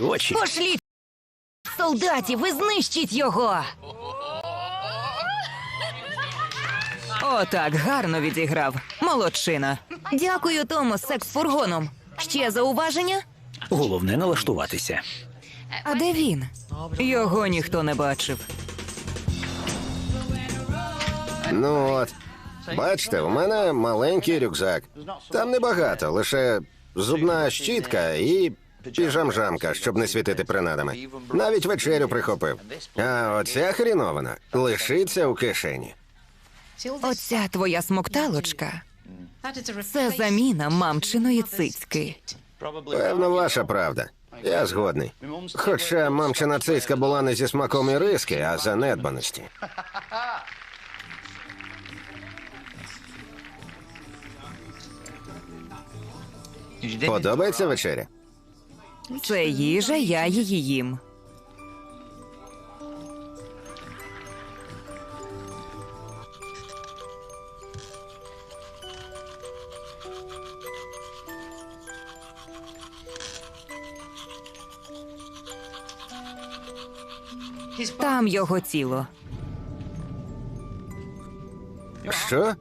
Очі. Пошліть солдатів і знищіть його! Отак, гарно відіграв. Молодчина. Дякую, Тому, з секс-фургоном. Ще зауваження? Головне налаштуватися. А де він? Його ніхто не бачив. Ну от. Бачите, у мене маленький рюкзак. Там небагато, лише зубна щітка і піжамжамка, щоб не світити принадами. Навіть вечерю прихопив. А оця хрінована лишиться у кишені. Оця твоя смокталочка – це заміна мамчиної цицьки. Певно, ваша правда. Я згодний. Хоча мамчина цицька була не зі смаком і риски, а занедбаності. Подобається вечеря? Це їжа, я її їм. Там його тіло. Що?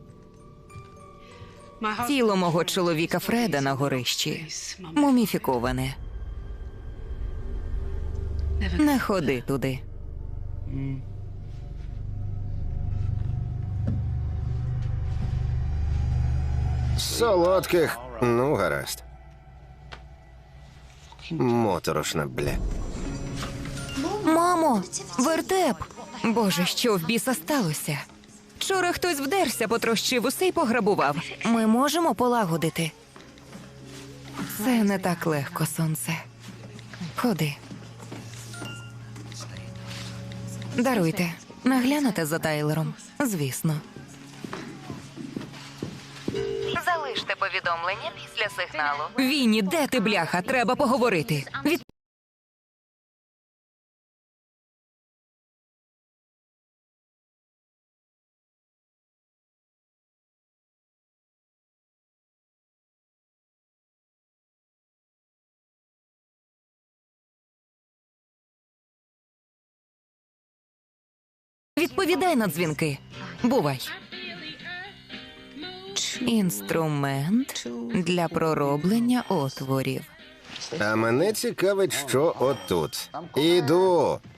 Тіло мого чоловіка Фреда на горищі. Муміфіковане. Не ходи туди. Солодких. Ну, гаразд. Моторошна, бля. Мамо, вертеп! Боже, що в біса сталося? Вчора хтось вдерся, потрощив усе й пограбував. Ми можемо полагодити. Це не так легко, сонце. Ходи. Даруйте. Наглянете за Тайлером? Звісно. Залиште повідомлення після сигналу. Вінні, де ти, бляха? Треба поговорити. Відповідай на дзвінки. Бувай. Інструмент для пророблення отворів. А мене цікавить, що отут. Іду.